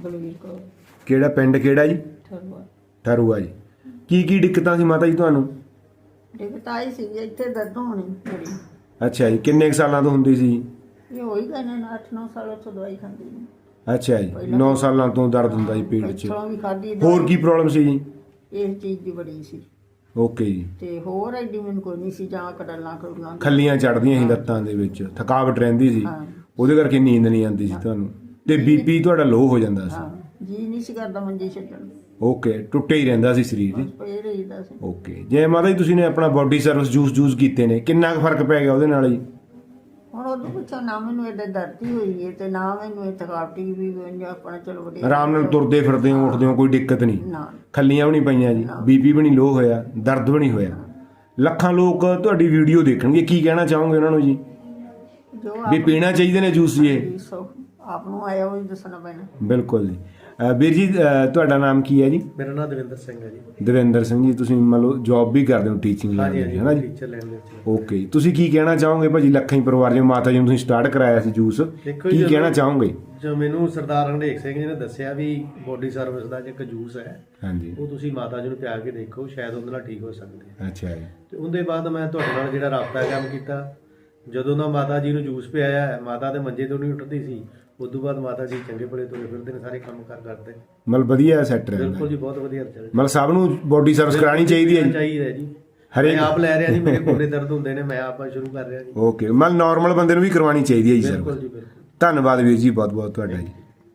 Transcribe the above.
ਬਲਵੀਰ ਕੌਰ ਕਿਹੜਾ ਪਿੰਡ ਕਿਹੜਾ ਜੀ? ਠਰਵਾ ਠਰੂਆ ਜੀ। ਕੀ ਦਿੱਕਤਾਂ ਸੀ ਮਾਤਾ ਜੀ ਤੁਹਾਨੂੰ? ਦਿੱਕਤ ਆਈ ਸੀ ਇੱਥੇ ਦਰਦ ਹੋਣੀ ਬੜੀ। ਅੱਛਾ ਜੀ, ਕਿੰਨੇ ਕੁ ਸਾਲਾਂ ਤੋਂ ਹੁੰਦੀ ਸੀ? ਇਹ ਹੋਈ ਗਏ ਨੇ 8-9 ਸਾਲਾਂ ਤੋਂ ਦਵਾਈ ਖਾਂਦੀ ਨੇ। ਅੱਛਾ ਜੀ, 9 ਸਾਲਾਂ ਤੋਂ ਦਰਦ ਹੁੰਦਾ ਜੀ ਪੇਟ 'ਚ। ਇੱਥੋਂ ਵੀ ਖਾਧੀ ਹੋਰ ਕੀ ਪ੍ਰੋਬਲਮ ਸੀ ਜੀ? ਇਸ ਚੀਜ਼ ਦੀ ਬੜੀ ਸੀ ਓਕੇ ਜੀ। ਤੇ ਹੋਰ ਐਡੀ ਮੈਨੂੰ ਕੋਈ ਨਹੀਂ ਸੀ, ਜਾਂ ਕਡਲਾਂ ਕਡਲਾਂ ਖੱਲੀਆਂ ਚੜਦੀਆਂ ਸੀ ਲੱਤਾਂ ਦੇ ਵਿੱਚ, ਥਕਾਵਟ ਰਹਿੰਦੀ ਸੀ, ਹਾਂ। ਉਹਦੇ ਕਰਕੇ ਨੀਂਦ ਨਹੀਂ ਆਉਂਦੀ ਸੀ ਤੁਹਾਨੂੰ, ਤੇ ਬੀਪੀ ਤੁਹਾਡਾ ਲੋ ਹੋ ਜਾਂਦਾ ਸੀ। ਹਾਂ ਜੀ ਨਹੀਂ ਸੀ ਕਰਦਾ ਮੰਜੀ ਛੱਡਣ ਨੂੰ। ਓਕੇ, ਟੁੱਟੇ ਹੀ ਰਹਿੰਦਾ ਸੀ ਸਰੀਰ ਜੀ। ਪਏ ਰਹੀਦਾ ਸੀ। ਓਕੇ, ਜੇ ਮਾਤਾ ਜੀ ਤੁਸੀਂ ਨੇ ਆਪਣਾ ਬੋਡੀ ਸਰਵਿਸ ਜੂਸ ਕੀਤੇ ਨੇ, ਕਿੰਨਾ ਕੁ ਫਰਕ ਪੈ ਗਿਆ ਉਹਦੇ ਨਾਲ ਜੀ? ਹੁਣ ਉਦੋਂ ਪੁੱਛੋ ਨਾ ਮੈਨੂੰ ਐਡੇ ਦਰਦੀ ਹੋਈ ਹੈ ਤੇ ਨਾ ਮੈਨੂੰ ਇਹ ਥਕਾਵਟੀ ਵੀ ਆਪਣਾ ਚਲੋ ਵਧੀਆ ਆਰਾਮ ਨਾਲ ਤੁਰਦੇ ਫਿਰਦੇ ਹੋ, ਉੱਠਦੇ ਹੋ, ਕੋਈ ਦਿੱਕਤ ਨਹੀਂ? ਨਾ ਖੱਲੀਆਂ ਵੀ ਨਹੀਂ ਪਈਆਂ ਜੀ, ਬੀਪੀ ਵੀ ਨਹੀਂ ਲੋ ਹੋਇਆ, ਦਰਦ ਵੀ ਨਹੀਂ ਹੋਇਆ। ਲੱਖਾਂ ਲੋਕ ਤੁਹਾਡੀ ਵੀਡੀਓ ਦੇਖਣਗੇ, ਕੀ ਕਹਿਣਾ ਚਾਹੋਗੇ ਉਹਨਾਂ ਨੂੰ ਜੀ? ਜੋ ਵੀ ਪੀਣਾ ਚਾਹੀਦੇ ਨੇ ਜੂਸ ਜੀ ਇਹ? ਆਪ ਨੂੰ ਆਇਆ ਉਹ ਦੱਸਣਾ ਪੈਣਾ। ਬਿਲਕੁਲ ਜੀ। ਵੀਰ ਜੀ, ਤੁਹਾਡਾ ਨਾਮ ਕੀ ਹੈ ਜੀ? ਮੇਰਾ ਨਾਮ ਦਵਿੰਦਰ ਸਿੰਘ ਹੈ ਜੀ। ਦਵਿੰਦਰ ਸਿੰਘ ਜੀ, ਤੁਸੀਂ ਮੰਨ ਲਓ ਜੌਬ ਵੀ ਕਰਦੇ ਹੋ ਟੀਚਿੰਗ ਲਾਈਨ ਵਿੱਚ, ਹੈ ਨਾ ਜੀ? ਟੀਚਰ ਲਾਈਨ ਵਿੱਚ। ਓਕੇ, ਤੁਸੀਂ ਕੀ ਕਹਿਣਾ ਚਾਹੋਗੇ ਭਾਜੀ ਲੱਖਾਂ ਹੀ ਪਰਿਵਾਰ ਜਿਵੇਂ ਮਾਤਾ ਜੀ ਨੂੰ ਤੁਸੀਂ ਸਟਾਰਟ ਕਰਾਇਆ ਸੀ ਜੂਸ, ਕੀ ਕਹਿਣਾ ਚਾਹੋਗੇ? ਜੋ ਮੈਨੂੰ ਸਰਦਾਰ ਹਰਨੇਕ ਸਿੰਘ ਜੀ ਨੇ ਦੱਸਿਆ ਵੀ ਬੋਡੀ ਸਰਵਿਸ ਦਾ ਇੱਕ ਜੂਸ ਹੈ, ਹਾਂਜੀ, ਉਹ ਤੁਸੀਂ ਮਾਤਾ ਜੀ ਨੂੰ ਪਿਆ ਕੇ ਦੇਖੋ, ਸ਼ਾਇਦ ਉਹਦੇ ਨਾਲ ਠੀਕ ਹੋ ਸਕਦੇ ਆ। ਅੱਛਾ ਜੀ। ਤੇ ਉਹਦੇ ਬਾਅਦ ਮੈਂ ਤੁਹਾਡੇ ਨਾਲ ਜਿਹੜਾ ਰਾਬਤਾ ਕੰਮ ਕੀਤਾ, ਜਦੋਂ ਦਾ ਮਾਤਾ ਜੀ ਨੂੰ ਜੂਸ ਪਿਆਇਆ, ਮਾਤਾ ਦੇ ਮੰਜੇ ਤੋਂ ਨਹੀਂ ਉੱਠਦੀ ਸੀ, ਉਸ ਤੋਂ ਬਾਅਦ ਮਾਤਾ ਜੀ ਚੰਗੇ ਭਲੇ ਤੁਰੇ ਫਿਰਦੇ ਨੇ, ਸਾਰੇ ਕੰਮ ਕਰਦੇ। ਮਤਲਬ ਵਧੀਆ ਸੈੱਟ ਰਹਿੰਦਾ? ਬਿਲਕੁਲ ਜੀ, ਬਹੁਤ ਵਧੀਆ ਚੱਲ। ਮਤਲਬ ਸਭ ਨੂੰ ਬੋਡੀ ਸਰਵਿਸ ਕਰਾਣੀ ਚਾਹੀਦੀ ਹੈ ਜੀ? ਚਾਹੀਦਾ ਜੀ। ਹਰੇਕ ਮੈਂ ਆਪ ਲੈ ਰਿਹਾ ਜੀ, ਮੇਰੇ ਗੋਡੇ ਦਰਦ ਹੁੰਦੇ ਨੇ, ਮੈਂ ਆਪ ਸ਼ੁਰੂ ਕਰ ਰਿਹਾ ਜੀ। ਓਕੇ, ਮਤਲਬ ਨਾਰਮਲ ਬੰਦੇ ਨੂੰ ਵੀ ਕਰਵਾਉਣੀ ਚਾਹੀਦੀ ਹੈ ਜੀ ਸਰ? ਬਿਲਕੁਲ ਜੀ, ਬਿਲਕੁਲ। ਧੰਨਵਾਦ ਵੀਰ ਜੀ, ਬਹੁਤ ਬਹੁਤ ਤੁਹਾਡਾ ਜੀ।